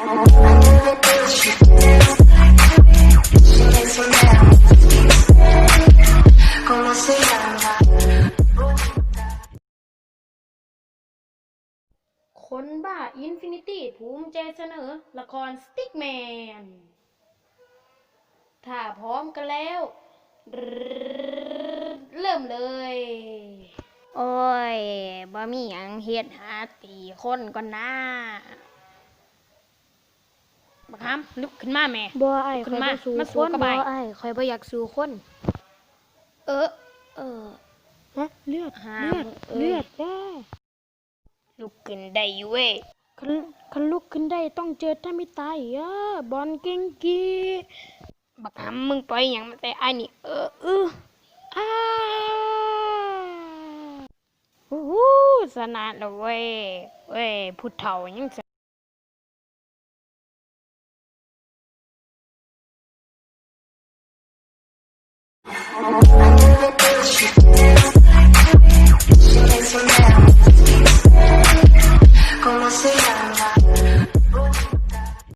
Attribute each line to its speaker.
Speaker 1: คนบ้าอินฟินิตี้ภูมิใจเสนอละครสติ๊กแมนถ้าพร้อมกันแล้ว เริ่มเลย โอ้ยบ่มีหยังเฮ็ดหาตีคนก่อนนะบักคำลุกขึ้นมาแม่
Speaker 2: บ่อ้าย
Speaker 1: ลุกขึ้น
Speaker 2: ข่อยบ่สู้
Speaker 1: มา
Speaker 2: คน
Speaker 1: สู้กับ
Speaker 2: บ่
Speaker 1: อ้าย
Speaker 2: อ้ายข่อยบ่อยากสู้คน
Speaker 1: เออเออ
Speaker 2: ฮะเลือด
Speaker 1: หา
Speaker 2: เลือด
Speaker 1: เอ้ย
Speaker 2: เลือดแด้
Speaker 1: ลุกขึ้นได้อยู่เว้ย
Speaker 2: คันลุกขึ้นได้ต้องเจอถ้าไม่ตายบอลเก่งกี
Speaker 1: บักคำมึงปล่อยหยังมาแต่อ้ายนี่
Speaker 2: อ้า
Speaker 1: โอ้โหสนาดแล้วเว้ยผู้เฒ่ายัง